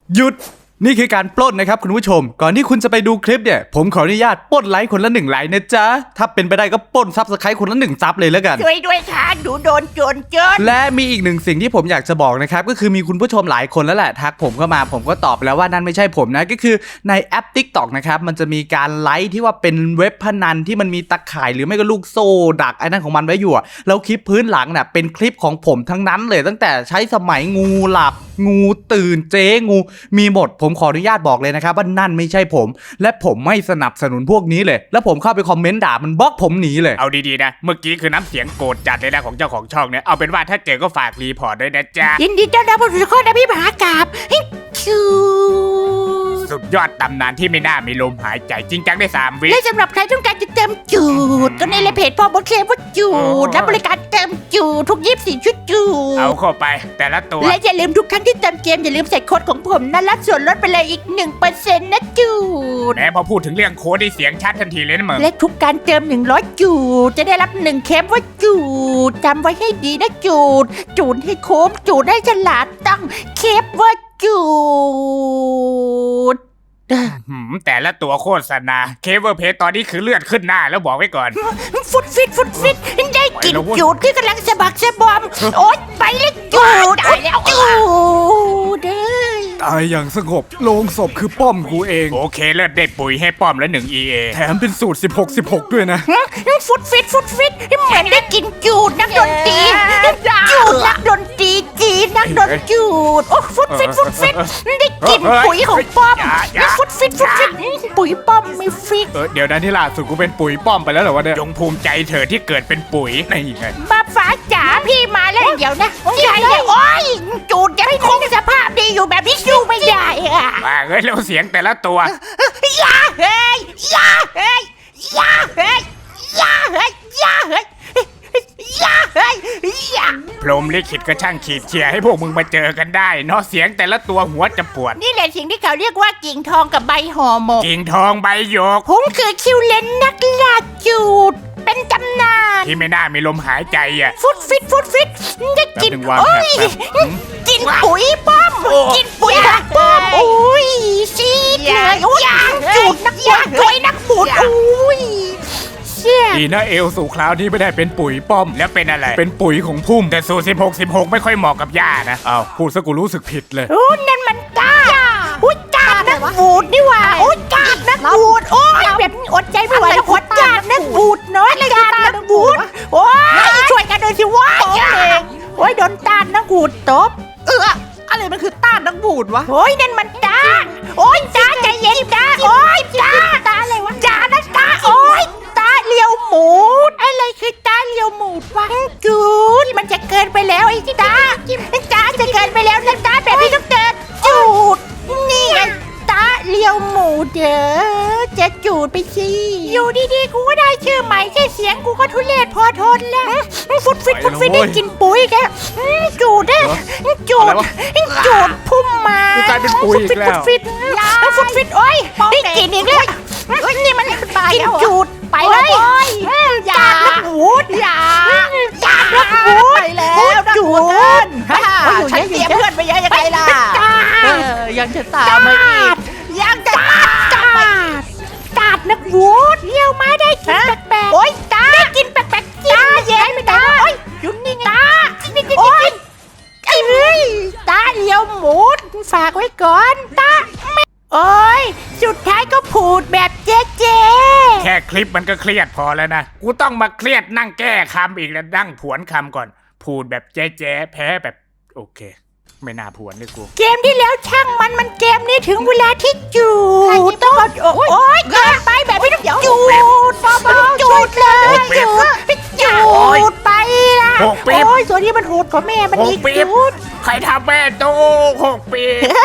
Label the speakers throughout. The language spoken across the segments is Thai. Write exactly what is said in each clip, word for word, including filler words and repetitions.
Speaker 1: หยุดนี่คือการปล้นนะครับคุณผู้ชมก่อนที่คุณจะไปดูคลิปเนี่ยผมขออนุญาตปล้นไลค์คนละหนึ่งไลค์นะจ๊ะถ้าเป็นไปได้ก็ปล้นซับสไครต์คนละหนึ่งซับเลยแล้วกัน
Speaker 2: ช่วยด้วยค่ะหนูโดนโจรเจน
Speaker 1: และมีอีกหนึ่งสิ่งที่ผมอยากจะบอกนะครับก็คือมีคุณผู้ชมหลายคนแล้วแหละทักผมเข้ามาผมก็ตอบแล้วว่านั่นไม่ใช่ผมนะก็คือในแอป ติ๊กต็อก นะครับมันจะมีการไลค์ที่ว่าเป็นเว็บพนันที่มันมีตะข่ายหรือไม่ก็ลูกโซ่ดักไอ้นั่นของมันไว้อยู่แล้วคลิปพื้นหลังน่ะเป็นคลิปของผมทั้งนั้นเลยตั้งแต่ใช้สมัยงูหลับงูตื่นเจ๊งูมีหมดผมขออนุญาตบอกเลยนะครับว่านั่นไม่ใช่ผมและผมไม่สนับสนุนพวกนี้เลยแล้วผมเข้าไปคอมเมนต์ด่ามันบล็อกผมหนีเลย
Speaker 3: เอาดีๆนะเมื่อกี้คือน้ำเสียงโกรธจัดเลยนะของเจ้าของช่องเนี่ยเอาเป็นว่าถ้าเจอก็ฝากรีพอร์ตด้วยนะจ๊ะ
Speaker 2: ยินดีต้อนรับสู่ช่องนะพี่มหากาบคิว
Speaker 3: สุดยอดตำนานที่ไม่น่ามีลมหายใจจริงจังได้สามวิ
Speaker 2: และสำหรับใครต้องการจะเติมจูดก็ในเลยเพจพ่อบดเคลมว่าจูดรับบริการเติมจูดทุกยี่สิบสี่ชุดจูด
Speaker 3: เอาเข้าไปแต่ละตัว
Speaker 2: และอย่าลืมทุกครั้งที่เติมเกมอย่าลืมใส่โค้ดของผมนะรับส่วนลดไปเลยอีก หนึ่งเปอร์เซ็นต์ นะจูด
Speaker 3: แม้พอพูดถึงเรื่องโค้ดได้เสียงชัดทันทีเลยนะมึง
Speaker 2: และทุกการเติมหนึ่งร้อยจูดจะได้รับหนึ่งเคปว่าจูดจำไว้ให้ดีนะจูดจูดให้โค้งจูดให้ฉลาดตั้งเคปว่าจูด
Speaker 3: แต่ละตัวโฆษณาเคเวอร์เพจตอนนี้คือเลือดขึ้นหน้าแล้วบอกไว้ก่อน
Speaker 2: ฟุตฟิตฟุตฟิตได้กินจูดที่กำลังสะบักสะบอมโอ๊ยไปเลยจูดตายแล้วจูด
Speaker 1: ตายอย่างสงบโลงศพคือป้อมกูเอง
Speaker 3: โอเคเลือดได้ปุ๋ยให้ป้อมแล้วหนึ่ง อี เอ
Speaker 1: แถมเป็นสูตรสิบหก สิบหกด้วยนะ
Speaker 2: ฟุตฟิตฟุตฟิตเหมือนได้กินจูดนักดนตรีจูดนักดนตรีจีนนักดนจูดโอ้ฟุตฟิตฟุตฟิตได้กินปุ๋ยของป้อมฟุตฟิตฟุตฟิตปุ๋ยป้อมไม่ฟิต
Speaker 1: เออเดี๋ยวนั้นที่ล่าสุดกูเป็นปุ๋ยป้อมไปแล้วเหรอวะเนี่ย
Speaker 3: จงภูมิใจเธอที่เกิดเป็นปุ๋ยนี่ไง
Speaker 2: มาฟ้าจ๋าพี่มาแล้วเดี๋ยวนะใหญ่เลยโอ้ยจูดยังคงสภาพดีอยู่แบบนี้สู้ไม่ได้อะ
Speaker 3: มาเฮ้ยแล้วเสียงแต่ละตัวย
Speaker 2: าเฮ้ยยาเฮ้ยยาเฮ้ยยาเฮ้ยยาเฮ้ยยาเฮ้ยยา
Speaker 3: พรหมลิขิตก็ช่างขีดเชียร์ให้พวกมึงมาเจอกันได้เนาะเสียงแต่ละตัวหัวจะปวด
Speaker 2: นี่แหละสิ่งที่เขาเรียกว่ากิ่งทองกับใบห่อหมก
Speaker 3: กิ่งทองใบหยก
Speaker 2: ผมคือคิวเลนนักล่าจูดเป็นตำนาน
Speaker 3: ที่ไม่น่ามีลมหายใจอ่ะ
Speaker 2: ฟุตฟิตฟุตฟิตได้กินโอ้ยกินปุ๋ยป้อมกินปุ๋ยป้อมโอ้ยซีดเลยโอ้ยจูดนักบวชด้วยนักบุญโอ้ย
Speaker 1: ดีนะเอลสู่คราวนี้ไม่ได้เป็นปุ๋ยป้อม
Speaker 3: แล้วเป็นอะไร
Speaker 1: เป็นปุ๋ยของพุ่ม
Speaker 3: แต่สูสิบหก สิบหกไม่ค่อยเหมาะกับย่านะ
Speaker 1: อ้าวพูดซะกูรู้สึกผิดเลย
Speaker 2: โอ้นั่นมันกาอุ้ยกาดนักบูดนี่ว่าโอ้ยกาดนักบูดโอ้ยแบบอดใจไม่ไหวแล้วอดกาดนักบูดน้อยกาดนักบูดโอ้ยช่วยกันหน่อยสิวะโอ้ยโดนตานักบูดตบ
Speaker 1: เอออะไรมันคือต้านนักบูดวะ
Speaker 2: โอ้ยนั่นมันตาโอ้ยตาใจเย็นตาโอ้ยตาตาอะไรวะตานะตาโอ้ยตาเลี้ยวหมูดอะไรคือตาเลี้ยวหมูดวะจูดมันจะเกินไปแล้วไอ้ตาตาจะเกินไปแล้วนะตาแบบนี้ต้องเกินจูดนี่ไงตาเลี้ยวหมูดเด้อจะจูดไปสิอยู่ดีๆกูก็ได้ชื่อใหม่แค่เสียงกูก็ทุเรศพอทนแล้วฟุตฟิตฟุตฟิตได้กินปุ๋ยแกจูดได้จูดจูดพุ่มมา
Speaker 1: กลายเป็นปุ๋ยอีกแล้ว
Speaker 2: ฟุตฟิตฟุตฟิตโอ้ยได้กินอีกแล้วนี่มันกินจูดไปเลยจานนักบูดจานนักบูด
Speaker 4: ไปแล้วนักบูดฉันเตรียมเพื่อนไปเยอะยังไงล่ะยังจะตามมาอีก
Speaker 2: ยังจะตามตาดนักบูดเลี้ยวมาได้กินแปลกๆโอ๊ยตาได้กินแปลกๆตาเย็นไม่ได้โอ๊ยยุ่นนี่ไงตาโอ๊ยไอ้เฮ้ยตาเลี้ยวหมูดฝากไว้ก่อนตาโอ๊ยสุดท้ายก็พูดแบบเจ๊เจ๊
Speaker 3: แค่คลิปมันก็เครียดพอแล้วนะกูต้องมาเครียดนั่งแก้คำอีกแล้วนั่งผวนคำก่อนพูดแบบเจ๊เจ๊แพ้แบบโอเคไม่น่าผวนเลยกู
Speaker 2: เกมที่แล้วช่างมันมันเกมนี้ถึงเวลาที่จูดต้องโอ๊ยเกินไปแบบไม่ต้องจูดจูดเลยจูดจูดไปละโอ๊ยส่วนนี้มันโหดกว่าแม่มันอีกจูด
Speaker 3: ใครทำแม่โตหกปี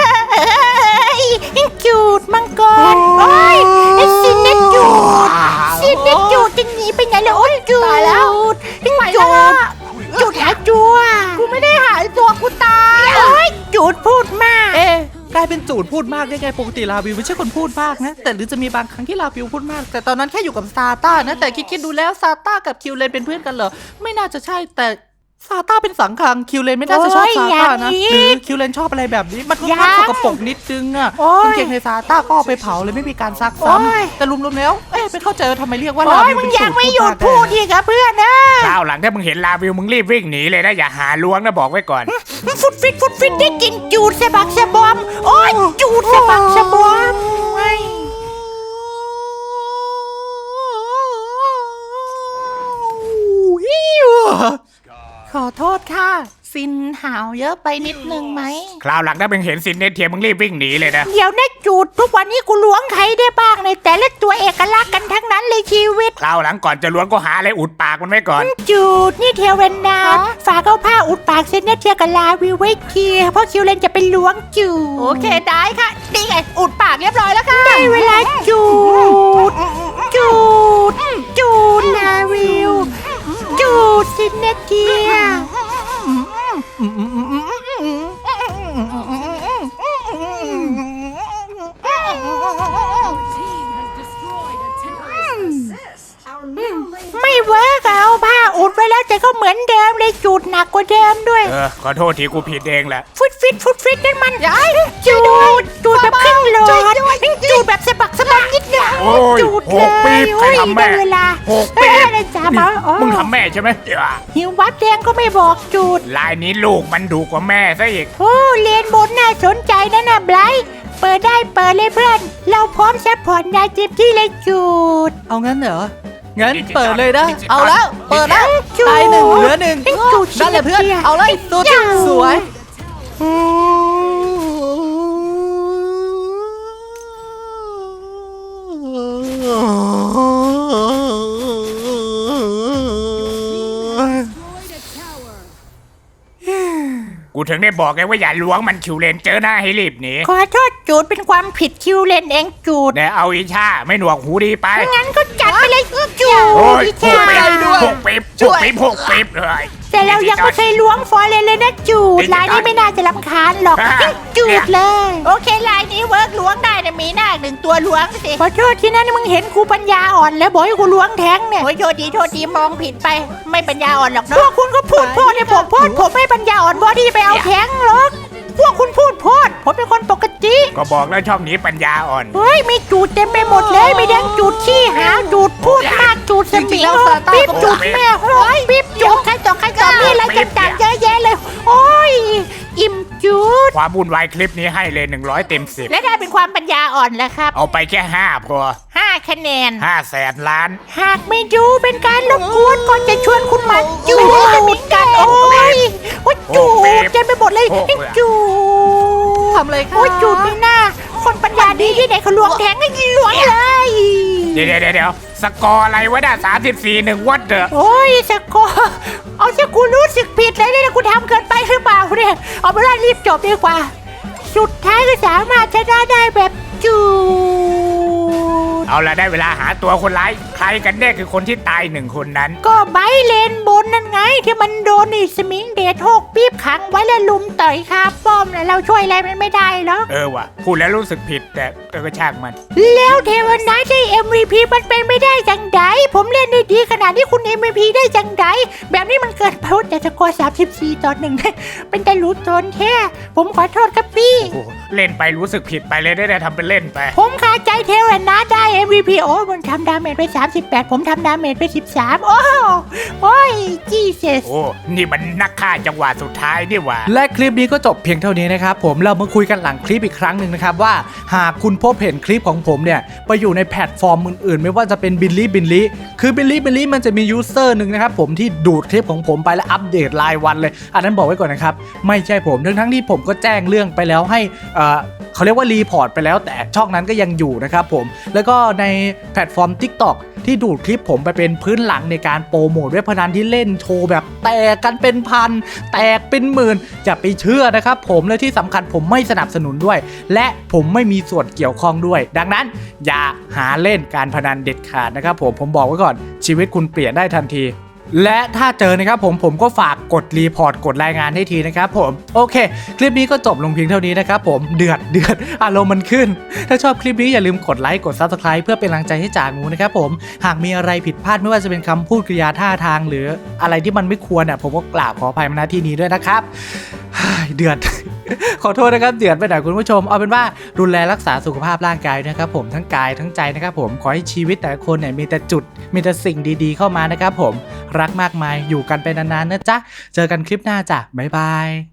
Speaker 2: จูดมังกรโอ๊ยไอ้ซินเนจูดซินเนจูดจะหนีไปไหนแล้วโอ๊ยจูดจูดจูดหายตัว
Speaker 4: กูไม่ได้หายตัวกูตาย
Speaker 2: โอ๊ยจูดพูดมาก
Speaker 4: เอ๊ะกลายเป็นจูดพูดมากได้ไงปกติลาวิวไม่ใช่คนพูดมากนะแต่หรือจะมีบางครั้งที่ลาวิวพูดมากแต่ตอนนั้นแค่อยู่กับซาต้านะแต่คิดๆดูแล้วซาต้ากับคิวเลนเป็นเพื่อนกันเหรอไม่น่าจะใช่แต่ซาต้าเป็นสังขังคิวเลนไม่น่าจะชอบ
Speaker 2: โอ้ย
Speaker 4: ซาต้านะ
Speaker 2: อย่างนี้
Speaker 4: หรือคิวเลนชอบอะไรแบบนี้มันค่อน
Speaker 2: อย่า
Speaker 4: ข้างสกปรกนิดนึงอ่ะ
Speaker 2: โอ้ย
Speaker 4: กางเกงในซาต้าก็เอาไปเผาเลยไม่มีการซัก
Speaker 2: โอ้ย
Speaker 4: ซ้ำแต่รวมๆแล้วเอ๊ะไม่เข้าใจว่าทำไมเรียกว่า
Speaker 2: โอ้
Speaker 4: ลาย วิว
Speaker 2: มึง
Speaker 4: เป็น
Speaker 2: ยัง
Speaker 4: สูตร
Speaker 2: ไม่หยุด
Speaker 4: พู
Speaker 2: พู
Speaker 4: ด
Speaker 2: ดอีกอะเพื่อนนะ
Speaker 3: คราวหลังถ้ามึงเห็นลาวิวมึงรีบวิ่งหนีเลยนะอย่าหาล้วงนะบอกไว้ก่อน
Speaker 2: ฟุดฟิตฟุดฟิตได้กินจูดสะบักสะบอม โอ้ยจูดสะบักสะบอมไอ้
Speaker 4: ขอโทษค่ะ ซินหาวเยอะไปนิดนึงไหม
Speaker 3: คราวหลังถ้ามึงเห็นซินเนเทียมึงรีบวิ่งหนีเลยนะ
Speaker 2: เดี๋ยวนะจูดทุกวันนี้กูล้วงใครได้บ้างในแต่ละตัวเอกลักษณ์กันทั้งนั้นเลยชีวิต
Speaker 3: คราวหลังก่อนจะล้วงก็หาอะไรอุดปากมันไว้ก่อน
Speaker 2: จูดนี่เทวเนาฝากเอาผ้าอุดปากเซนเนเทียกับลาวิวไว้เคลียร์เพราะคิวเลนจะเป็นล้วงจูด
Speaker 4: โอเคได้ค่ะนี่ไงอุดปากเรียบร้อยแล้วค่ะ
Speaker 2: ได้เวลาจูดจูดจูดลาวิวจูดเซนเนเทีย ไม่เวิร์กอะเอาผ้าอุดไว้แล้วแต่ก็เหมือนเดิมเลยจูดหนักกว่าเดิมด้วย
Speaker 3: เออขอโทษทีกูผิดเองแหละ
Speaker 2: ฟุตฟิตฟุตฟิตนั่นมันจูดจูดแบบครึ่งหลอดจูดแบบสะบักสะบักนิดเดียว
Speaker 3: โอ้ย
Speaker 2: จูด
Speaker 3: ห
Speaker 2: เล
Speaker 3: กปี
Speaker 2: ย
Speaker 3: บใครทำแม่
Speaker 2: ได้เวลา
Speaker 3: หกปีบ
Speaker 2: เออนะจ๊ะบอกอ๋อ
Speaker 3: มึงทำแม่ใช่ไหมเดี๋ยว
Speaker 2: หิววับแดงก็ไม่บอกจูด
Speaker 3: ลายนี้ลูกมันดุกว่าแม่ซะอีก
Speaker 2: โอ้เรียนบนน่าสนใจนะนะไบรท์เปิดได้เปิดเลยเพื่อน เราพร้อมซัพพอร์ตนายเต็มที่เลยจูด
Speaker 4: เอางั้นเหรอ งั้น
Speaker 3: ดิจิตอล
Speaker 4: เปิดเลยนะ
Speaker 3: ดิจิตอล
Speaker 4: เอาแล้ว เปิดแล้ว
Speaker 2: จูด
Speaker 4: ตายหนึ่งเหลือหนึ่ง
Speaker 2: จูด
Speaker 4: นั่นแหละเพื่อน
Speaker 2: ชียร์
Speaker 4: เอาเลยสุด
Speaker 2: จูด
Speaker 4: สวย
Speaker 3: กูถึงได้บอกไงว่าอย่าล้วงมันคิวเลนเจอหน้าให้รีบหนี
Speaker 2: ขอโทษจูดเป็นความผิดคิวเลนเองจูด
Speaker 3: แต่เอาอีชาไม่หนวกหูดีไป
Speaker 2: งั้นก็จัดไปเลยจูด
Speaker 3: โอ้ย
Speaker 2: จ้า
Speaker 3: หกปีบหกปีบหกปีบหกปีบเลย
Speaker 2: แต่เรายังไม่เคยล้วงฟอร์เรนเลยนะจูด
Speaker 3: ดิจิตอล
Speaker 2: ลายนี้ไม่น่าจะรำคาญหรอก
Speaker 3: อ่ะ
Speaker 2: จูดเลย
Speaker 4: โอเคลายนี้เวิร์กล้วงได้นะมีหน้าหนึ่งตัวล้วงสิ
Speaker 2: ขอโทษที่นั่นมึงเห็นกูปัญญาอ่อนแล้วบอกให้กูล้วงแทงเนี่ย
Speaker 4: โอ้ยโทษดีโทษดีมองผิดไป ไม่ปัญญาอ่อนหรอก
Speaker 2: พ
Speaker 4: เนาะ
Speaker 2: วกคุณก็พูดโพดให้ผมโพดผมไม่ปัญญาอ่อนบอดี้ไปเอาแทงหรอกพวกคุณพูดโพดผมเป็นคนปกติ
Speaker 3: ก็บอกแล้วช่องนี้ปัญญาอ่อน
Speaker 2: เฮ้ยมีจูดเต็มไปหมดเลยมีแดงจูดขี้หาจูดพูดมากจูดสมิงปิ๊บจูดแม่โอ้ยปิ๊บจูดใครต่อใครต่อมีอะไรต่างๆเยอะแยะเลย โอ้ยอิ่มจูด
Speaker 3: ความวุ่นวายคลิปนี้ให้เลยหนึ่งร้อยเต็มสิบ
Speaker 2: และได้เป็นความปัญญาอ่อนแล้วครับ
Speaker 3: เอาไปแค่ห้าพอ
Speaker 2: ห้าคะแนน
Speaker 3: ห้าแสนล้าน
Speaker 2: หากไม่ดูเป็นการรบกวนก็จะชวนคุณมาจูดจะมีกันโอ้ยโอ้ยจูดเต็มไปหมดเลยจูด
Speaker 4: ทำเลยค่ะ
Speaker 2: โอ้ยจูดไม่น่าคนปัญญาดีที่ไหนเขาลวงแทงให้ลวงเลย
Speaker 3: เดี๋ยวเดี๋ยวเดี๋ยวสกอร์อะไรวะน่ะสามสิบสี่หนึ่งวัดเด้อ
Speaker 2: โอ้ยสกอร์เอาซะกูรู้สึกผิดเลยเนี่ยกูทำเกินไปหรือเปล่าเนี่ยเอาไปว่ารีบจบดีกว่า สุดท้ายก็สามารถชนะได้แบบจูด
Speaker 3: เอาละได้เวลาหาตัวคนร้าย ใครกันแน่คือคนที่ตายหนึ่งคนนั้น
Speaker 2: ก็ไบเลนบนนั่นไงที่มันโดนอีสมิงเดทหกปี๊บขังไว้แล้วลุมต่อยคาป้อมแล้วเราช่วยอะไรมันไม่ได้หรอก
Speaker 3: เออว่ะพูดแล้วรู้สึกผิดแต่เออก็ช่างมัน
Speaker 2: แล้วเทวันไนท์ได้ เอ็ม วี พี มันเป็นไม่ได้จังไดผมเล่นได้ดีขนาดที่คุณ เอ็ม วี พี ได้จังไดแบบนี้มันเกินไปแต่สกอร์สามสิบสี่ต่อหนึ่งเป็นแต่รู้ตนแค่ผมขอโทษครับพี่
Speaker 3: โอ้โหเล่นไปรู้สึกผิดไปเลยได้แต่ทำเป็นเล่นไป
Speaker 2: ผมคาใจเทวันไนท์ได้ เอ็ม วี พี โอ้มันทำดาเมจไปสามสิบแปดผมทำดาเมจไปสิบสามโอ้โอ้ยจีเซส
Speaker 3: โอ้ นี่มันนักฆ่าจังหวะสุดท้ายนี่หว่า
Speaker 1: และคลิปนี้ก็จบเพียงเท่านี้นะครับผมเรามาคุยกันหลังคลิปอีกครั้งหนึ่งนะครับว่าหากคุณพบเห็นคลิปของผมเนี่ยไปอยู่ในแพลตฟอร์มอื่นๆไม่ว่าจะเป็นบิลลี่บิลลี่คือบิลลี่บิลลี่มันจะมียูเซอร์หนึ่งนะครับผมที่ดูดคลิปของผมไปและอัปเดตรายวันเลยอันนั้นบอกไว้ก่อนนะครับไม่ใช่ผมทั้งทั้งๆที่ผมก็แจ้งเรื่องไปแล้วให้เอ่อเขาเรียกว่ารีพอร์ตไปแล้วแต่ช่องนั้นก็ยังอยู่นะครับผมแล้วก็ในแพลตฟอร์ม TikTok ที่ดูดคลิปผมไปเป็นพื้นหลังในการโปรโมทเว็บพนันที่เล่นโชว์แบบแตกกันเป็นพันแตกเป็นหมื่นอย่าไปเชื่อนะครับผมและที่สำคัญผมไม่สนับสนุนด้วยและผมไม่มีส่วนเกี่ยวข้องด้วยดังนั้นอย่าหาเล่นการพนันเด็ดขาดนะครับผมผมบอกไว้ก่อนชีวิตคุณเปลี่ยนได้ทันทีและถ้าเจอนะครับผมผมก็ฝากกดรีพอร์ตกดรายงานให้ทีนะครับผมโอเคคลิปนี้ก็จบลงเพียงเท่านี้นะครับผมเดือดเดือดอารมณ์มันขึ้นถ้าชอบคลิปนี้อย่าลืมกดไลค์กด ซับสไครบ์ เพื่อเป็นกำลังใจให้จ่างูนะครับผมหากมีอะไรผิดพลาดไม่ว่าจะเป็นคำพูดกริยาท่าทางหรืออะไรที่มันไม่ควรอ่ะผมก็กราบขออภัยมาณที่นี้ด้วยนะครับเดือด ขอโทษนะครับเดือดไปหน่อยคุณผู้ชมเอาเป็นว่าดูแลรักษาสุขภาพร่างกายนะครับผมทั้งกายทั้งใจนะครับผมขอให้ชีวิตแต่ละคนเนี่ยมีแต่จุดมีแต่สิ่งดีๆเข้ามานะครับผมรักมากมายอยู่กันไปนานๆนะจ๊ะเจอกันคลิปหน้าจ้ะบ๊ายบาย